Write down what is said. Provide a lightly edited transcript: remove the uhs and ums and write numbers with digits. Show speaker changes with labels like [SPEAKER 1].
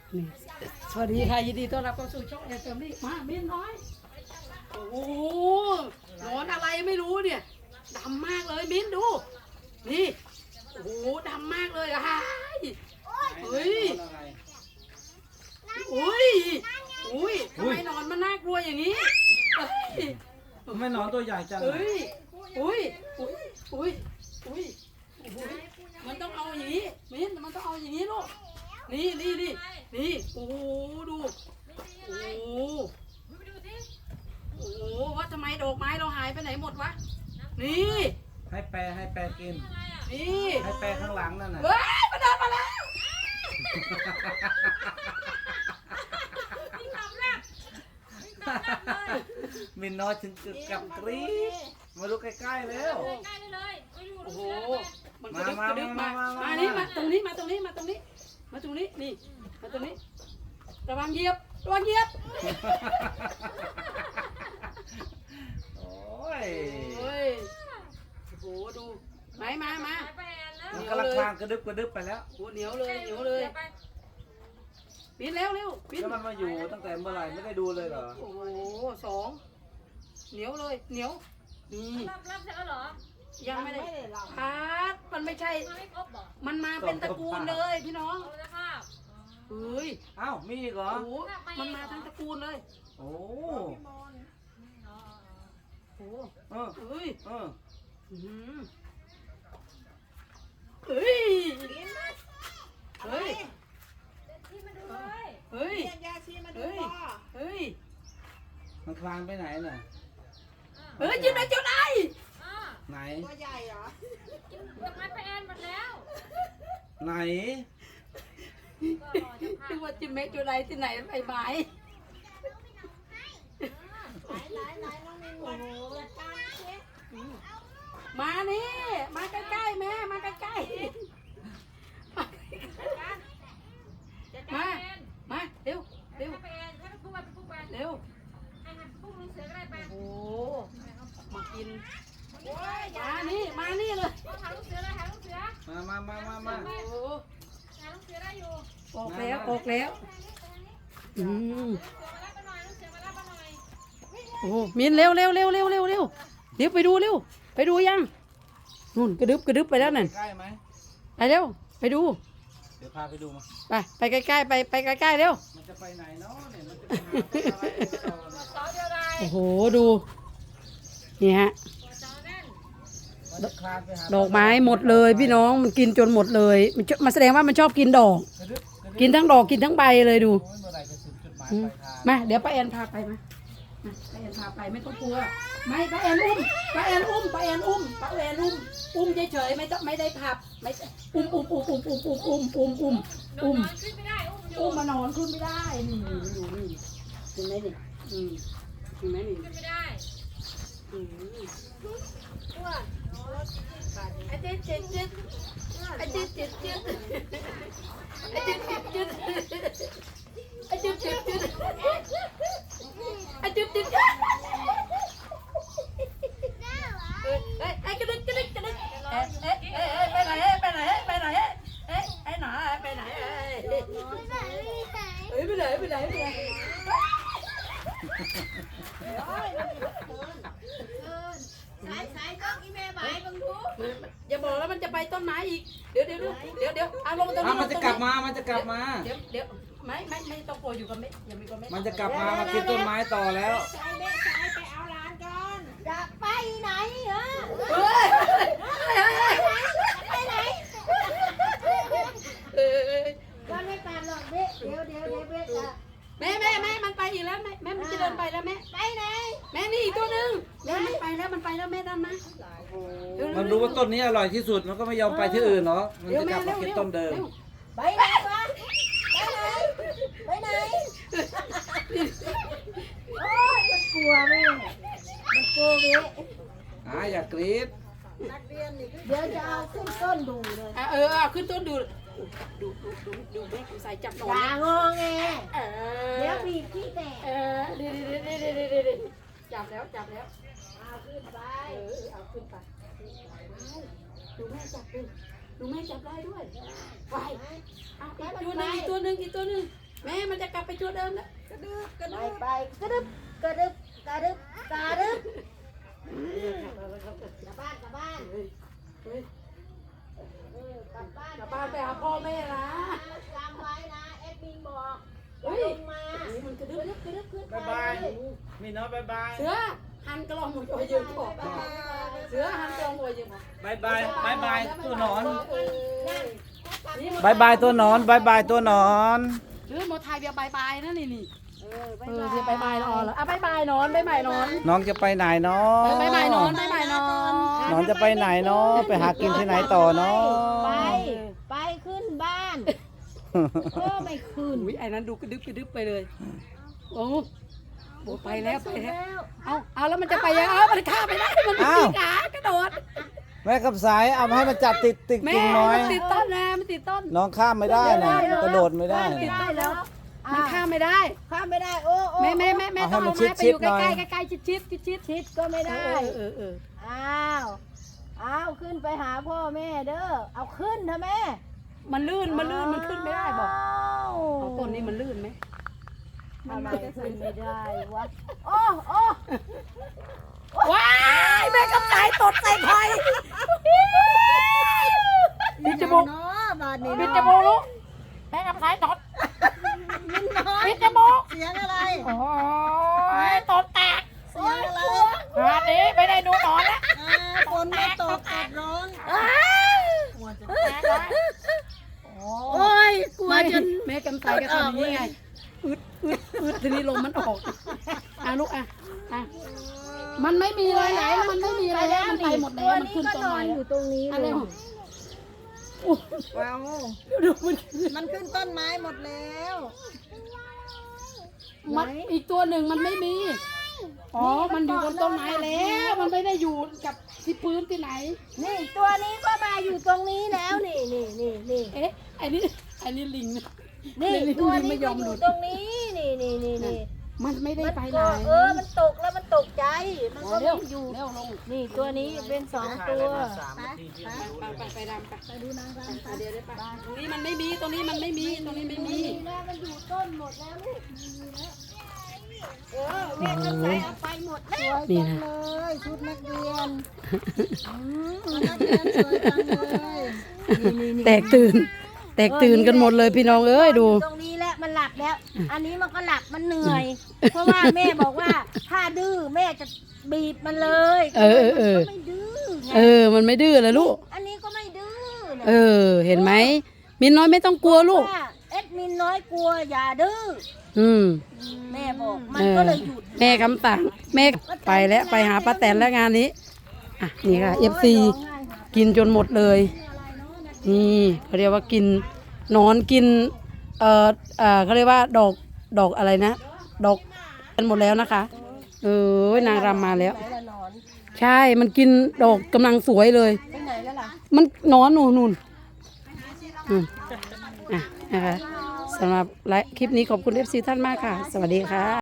[SPEAKER 1] นี่สวัสดีค่ะยินดีต้อนรับเข้าสู่ช่องแอนเฟมิลี่มาเมียน้อยโอ้โหหนอนอะไรไม่รู้เนี่ยดำมากเลยมิ้นดูนี่โอ้โหดำมากเลยอะเฮ้ยอุ้ยอุ้ยทำไมหนอนมันน่ากลัวอย่างนี้
[SPEAKER 2] ทำไมหนอนตัวใหญ่จัง
[SPEAKER 1] เฮ้ยอุ้ยอุ้ยอุ้ยอุ้ยอุ้ยมันต้องเอาอย่างนี้มิ้นมันต้องเอาอย่างนี้ลูกนี่โอ้โหดูโอ้โหโอ้โหว่าทำไมดอกไม้เราหายไปไหนหมดวะนี่
[SPEAKER 2] ให้แปรกิน
[SPEAKER 1] นี่
[SPEAKER 2] ให้แปรข้างหลังนั่นน่ะ
[SPEAKER 1] เฮ้ยมันเดินมาแล้ว
[SPEAKER 2] มินน้อยถึงกับกรี๊ดมาดูใกล้ๆแล้ว
[SPEAKER 1] โอ้โหมันกระดึ๊บกระดึ๊บมานี่มาตรงนี้มาตรงนี้มาตรงนี้มาตรงนี้นี่มาตรงนี้ระวังเหยียบระวังเหยียบ
[SPEAKER 2] โอ้ย
[SPEAKER 1] เฮ้ยโอ้โหดูไหมมา
[SPEAKER 2] มันกำลังคลางกระดึบไปแล้ว
[SPEAKER 1] โอ้เหนียวเลยปีนเร็วปีน
[SPEAKER 2] แล้วมันมาอยู่ตั้งแต่เมื่อไหร่ไม่ได้ดูเลยเหรอ
[SPEAKER 1] โอ้โหสองเหนียวเลยเหนียวนี่
[SPEAKER 3] รับเสร็จแล้วเหรอ
[SPEAKER 1] ยังไม่ได้พัดมันไม่ใช่
[SPEAKER 3] มาไม่ครบบอก
[SPEAKER 1] มันมาเป็นตระกูลเลยพี่น้อง
[SPEAKER 3] เอาละภาพ
[SPEAKER 1] เฮ้ย
[SPEAKER 2] อ้าวมีอีกเหรอ
[SPEAKER 1] โอ้โหมันมาทั้งตระกูลเลย
[SPEAKER 2] โอ้
[SPEAKER 1] โอ้โห
[SPEAKER 2] เออ
[SPEAKER 1] เฮ้ย
[SPEAKER 2] เออ
[SPEAKER 1] อื้อหือเฮ้ยเฮ้ย
[SPEAKER 3] ที่มาดูเลย
[SPEAKER 1] เฮ้ย
[SPEAKER 4] เรียกยาชีมาดู
[SPEAKER 1] เฮ้ย
[SPEAKER 4] พ่อ
[SPEAKER 1] เฮ้ย
[SPEAKER 2] มันคลางไปไหนน่ะ
[SPEAKER 1] เฮ้ยจุดไหน
[SPEAKER 3] อ่า
[SPEAKER 2] ไหน
[SPEAKER 4] ตัวใหญ่เหรอ
[SPEAKER 3] กินดอกไม้ไปแอนหมดแล้ว
[SPEAKER 2] ไหน
[SPEAKER 3] ก็รอจะพา
[SPEAKER 1] นึกว่าจิมเมจุดไหนที่ไหนไปไม้
[SPEAKER 4] ไหนน้องมินวันจัดการสิ
[SPEAKER 1] มานี่มาใกล้ๆแม่มาใกล้
[SPEAKER 3] จัด
[SPEAKER 1] ๆ
[SPEAKER 3] กา
[SPEAKER 1] มา
[SPEAKER 3] รแอน
[SPEAKER 1] มาเร็ว
[SPEAKER 3] ให้ไปแอนให้ไปพูดไปพูดไป
[SPEAKER 1] เร็ว
[SPEAKER 3] ให้พูดลูกเสือก็ได้ไป
[SPEAKER 1] โอ้โหมากิน
[SPEAKER 4] โอ้ย
[SPEAKER 1] มานี่เลย
[SPEAKER 3] หาลูกเสือเลยหาลูกเสือ
[SPEAKER 2] มา
[SPEAKER 1] โอ้โห
[SPEAKER 3] หาลูกเสือได้อยู่
[SPEAKER 1] ออกแล้วอืม
[SPEAKER 3] ลูกเสือมารับมาหน่อยลูกเสือมารับมาหน่อย
[SPEAKER 1] โอ้โหมินเร็วเดี๋ยวไปดูยังนู่นกระดึบไปแล้วนั่น
[SPEAKER 2] ใกล้ไหม
[SPEAKER 1] ไปเร็วไปดู
[SPEAKER 2] เดี๋ยวพาไปดูมา
[SPEAKER 1] ไปใกล้ๆไปใกล้ๆเร็ว
[SPEAKER 2] มันจะไปไหนเนาะเนี่ยมันจะไปหาอะไรต่อเนี่ย
[SPEAKER 3] ต่อเดียวได้
[SPEAKER 1] โอ้โหดูนี่ฮะ
[SPEAKER 3] ต่อแน่น
[SPEAKER 2] มันจะคลานไปหา
[SPEAKER 1] ดอกไม้หมดเลยพี่น้องมันกินจนหมดเลยมันแสดงว่ามันชอบกินดอก
[SPEAKER 2] กระดึบ
[SPEAKER 1] กินทั้งดอกกินทั้งใบเลยดู
[SPEAKER 2] โอ้ยเมื่อไหร่จะถึงจุดหมาย
[SPEAKER 1] อืม
[SPEAKER 2] ปลายทาง
[SPEAKER 1] มาเดี๋ยวป้าแอนพาไปมาป้าแอนพาไปไม่ต้องกลัวไม่ป้าแอนอุ้มอุ้มเฉยๆไม่ได้พับไม่อุ้ม
[SPEAKER 3] นอนขึ้นไม่ได้อุ้มอยู่
[SPEAKER 1] มานอนขึ้นไม่ได้นี่อยู่นี่เห็นไหมนี่เห็นไหมนี่
[SPEAKER 3] ขึ้นไม่ได้
[SPEAKER 1] ไอ้เจ็ดไอ้เจ็ดไอ้เจ็ดไอ้กระดึกไปไหนไปไหนไปไหน
[SPEAKER 4] สายต้องอีเมลบายบังทุก
[SPEAKER 1] อย่าบอกแล้วมันจะไปต้นไม้อีกเดี๋ยวเอาลงตรง
[SPEAKER 2] อ้าว
[SPEAKER 1] นี้
[SPEAKER 2] มันจะกลับมา
[SPEAKER 1] เดี๋ยวไม่ต้องกลัวอยู่กับเมฆอย่ามีกับเมฆ
[SPEAKER 2] มันจะกลับมากินต้นไม้ต่อแล้ว
[SPEAKER 4] สายเด็กสายไปเอาหลานก่อนจะไปไหนเหรอ
[SPEAKER 1] เฮ้ย
[SPEAKER 4] ไปไหน
[SPEAKER 1] เ
[SPEAKER 4] ก็ไม่ตามหรอกเบ๊เดี๋ยวเบ๊จะ
[SPEAKER 1] แม่มันไปอีกแล้วแม่มันจะเดินไปแล้วแม่
[SPEAKER 4] ไปไหน
[SPEAKER 1] แม่นี่อีกตัวหนึ่งแม่มันไปแล้วแม่ด้านนะ
[SPEAKER 2] มันรู้ว่าต้นนี้อร่อยที่สุดมันก็ไม่ยอมไปที่อื่นเนาะมันจะกลับมากินต้นเดิม
[SPEAKER 4] ไปไหนวะไปไหนโอ้ยมันกลัวแม่มันกลัวเบ๊
[SPEAKER 2] อย่ากรี๊ด
[SPEAKER 4] เดี๋ยวจะเอาขึ้นต้นดูเลย
[SPEAKER 1] ขึ้นต้นดูแม่ใส่จับหนอ
[SPEAKER 4] อย่าง งอแงเดี๋ยว
[SPEAKER 1] เ
[SPEAKER 4] บีบที่แตก
[SPEAKER 1] ดีจับแล้ว
[SPEAKER 4] เอาขึ้นไป
[SPEAKER 1] เอาขึ้นไปดูแม่จับได้ด้วยไปเอาอีกตัวหนึ่งแม่มันจะกลับไปตัวเดิมแล้ว
[SPEAKER 4] ไปกระดึบกระดึบกระดึบกระดึบกลับบ้านกลับบ้าน
[SPEAKER 1] เฮ้ยเฮ้ย
[SPEAKER 4] กลับบ้าน
[SPEAKER 1] กลับบ้านไปหาพ่อแม่นะ
[SPEAKER 4] จำไว้นะแอดมินบอก
[SPEAKER 1] เฮ้ย
[SPEAKER 4] ลงมา
[SPEAKER 1] นี่มันกระดึ๊บ
[SPEAKER 4] กระดึบขึ้น
[SPEAKER 2] บ๊ายบายมีน้อยบ๊ายบาย
[SPEAKER 1] เสือหันกระลองหมูโอยยืมบอกเสือหันกระลองหมูโอยยืมบอก
[SPEAKER 2] บ๊ายบายบ๊ายบายตัวหนอน
[SPEAKER 1] นี่
[SPEAKER 2] บายบายตัวหนอนบายบายตัวหนอน
[SPEAKER 1] หรือโมไทยเบียร์บายบายนะนี่นี่
[SPEAKER 4] ไป
[SPEAKER 1] เออเบียร์บายบายนอนเหรออ่ะบายบายนอนบายบายนอน
[SPEAKER 2] น้องจะไปไหนเนาะ
[SPEAKER 1] บายบายนอนบายบายนอน
[SPEAKER 2] น้องจะไปไหนเนาะไปหากินที่ไหนต่อเนาะ
[SPEAKER 4] ไปขึ้นบ้านไม่ขึ้น
[SPEAKER 1] อุ้ยไอ้นั้นดูกระดึ๊บกระดึ๊บไปเลยโอ้โหไปแล้วไปแล้วเอาแล้วมันจะไปยังเอามันข้ามไปได้มันไม่มีขากระโดด
[SPEAKER 2] แม่กับสายเอามาให้มันจับติด
[SPEAKER 1] แม่
[SPEAKER 2] กิ่งน้อย
[SPEAKER 1] มันติดต้นนะมันติดต้น
[SPEAKER 2] น้องข้ามไม่ได้นะกระโดดไม่ได้
[SPEAKER 1] ติด
[SPEAKER 2] นะ
[SPEAKER 1] ต้นแล้วมันข้ามไม่ได้
[SPEAKER 4] ข้ามไม่ได้โอ้โอ้
[SPEAKER 1] แม่ต้องเอาไม้ไปอยู่ใกล้ๆใกล้ๆชิด
[SPEAKER 4] ชิดก็ไม่ได้
[SPEAKER 1] เออ
[SPEAKER 4] อ้าวขึ้นไปหาพ่อแม่เด้อเอาขึ้นเถอะแม่
[SPEAKER 1] มันลื่นมันขึ้นไม่ได้บอกเอาต้นนี้มันลื่นไหม
[SPEAKER 4] ทำไมขึ้นไม่ได้วะโอ้โอ้
[SPEAKER 1] ว้ายแม่กำไก่ตดใส่ไข่ปิดจมูก
[SPEAKER 4] เนาะบาดนี้
[SPEAKER 1] ปิดจมูกลูกแม่กำไก่ตดปิดจมูก
[SPEAKER 4] เสียงอะไร
[SPEAKER 1] โอ้ยตดแตก
[SPEAKER 4] เสียงอะไร
[SPEAKER 1] งานนี้ไม่ได้ดูหนอนแล้ว
[SPEAKER 4] ฝนไม่ตกแดดร้อน
[SPEAKER 1] แตกแล้วโอ้ยกลัวจนแม่กำไก่ก็ทำอย่างนี้ไงอึดทีนี้ลมมันออกลูกอ่ะมันไม่มีอะไรไหนมันไม่มีอะไรแล้วมันไปหมดแล้วมันขึ้นต้นไม้
[SPEAKER 4] อยู่ตรงนี้
[SPEAKER 1] อะไร
[SPEAKER 4] เลย
[SPEAKER 1] ของ
[SPEAKER 4] ว้าว
[SPEAKER 1] ดูมัน
[SPEAKER 4] มันขึ้นต้นไม้หมดแล้ว
[SPEAKER 1] มันอีกตัวหนึ่งมันไม่มีอ๋อมันอยู่บนต้นไม้แล้วมันไม่ได้อยู่กับที่พื้นที่ไหน
[SPEAKER 4] นี่ตัวนี้ก็มาอยู่ตรงนี้แล้วนี่นี่นี่นี่
[SPEAKER 1] เอ๊ะอันนี้ลิงนะ
[SPEAKER 4] นี่
[SPEAKER 1] ลิง
[SPEAKER 4] ตัว
[SPEAKER 1] ลิง
[SPEAKER 4] นี้
[SPEAKER 1] ไม่ย
[SPEAKER 4] ก็
[SPEAKER 1] อม
[SPEAKER 4] อ
[SPEAKER 1] หลุ
[SPEAKER 4] ยู่
[SPEAKER 1] ด
[SPEAKER 4] ตรงนี้นี่นี่นี่นี่
[SPEAKER 1] มันไม่ได้ไปไหน
[SPEAKER 4] มันตกแล้วมันตกใจมันก็
[SPEAKER 1] เร็ว
[SPEAKER 4] ไม่อยู่
[SPEAKER 1] เร็วลง
[SPEAKER 4] นี่ตัวนี้เป็นสองตัว
[SPEAKER 1] ไปดำไปดูนางรำเดี๋ยวได้ไปตรงนี้มันไม่มีตรงนี้มันไม่มีตรงนี้ไม่มี
[SPEAKER 4] นี่นะมันอยู่ต้นหมดแล้วลูกแม่ต้องใส่เอาไปหมดแล้ว
[SPEAKER 1] นี่นะ
[SPEAKER 4] เลยชุดนักเรียนนักเรียนสวยจังเลยนี่
[SPEAKER 1] แตกตื่นกันหมดเลยพี่น้องเอ้ยดู
[SPEAKER 4] ตรงนี้แหละมันหลับแล้ว อันนี้มันก็หลับมันเหนื่อย เพราะว่าแม่บอกว่าถ้าดื้อแม่จะบีบมันเลย
[SPEAKER 1] เออ
[SPEAKER 4] มันก็ไม่ดื้อไง
[SPEAKER 1] มันไม่ดื้อเลยลูก
[SPEAKER 4] อันนี้ก็ไม่ดื้อนะ
[SPEAKER 1] เห็นไหมมินน้อยไม่ต้องกลัวลูก
[SPEAKER 4] ว่าเอ็ดมินน้อยกลัวอย่าดื้อ แม่บอกมันก็เลยหยุด
[SPEAKER 1] แม่คำสั่งแม่ไปแล้วไปหาป้าแตนแล้วงานนี้อ่ะนี่ค่ะ FC กินจนหมดเลยนี่เขาเรียกว่ากินหนอนกินเขาเรียกว่าดอกอะไรนะดอกกันหมดแล้วนะคะนางรำมาแล้ว
[SPEAKER 4] ไหนละหนอน
[SPEAKER 1] ใช่มันกินดอกกำลังสวยเลย
[SPEAKER 4] ไปไหนแล้วล่ะ
[SPEAKER 1] มันหนอนนู่นนะคะสำหรับคลิปนี้ขอบคุณ FC ท่านมากค่ะ สวัสดีค่ะ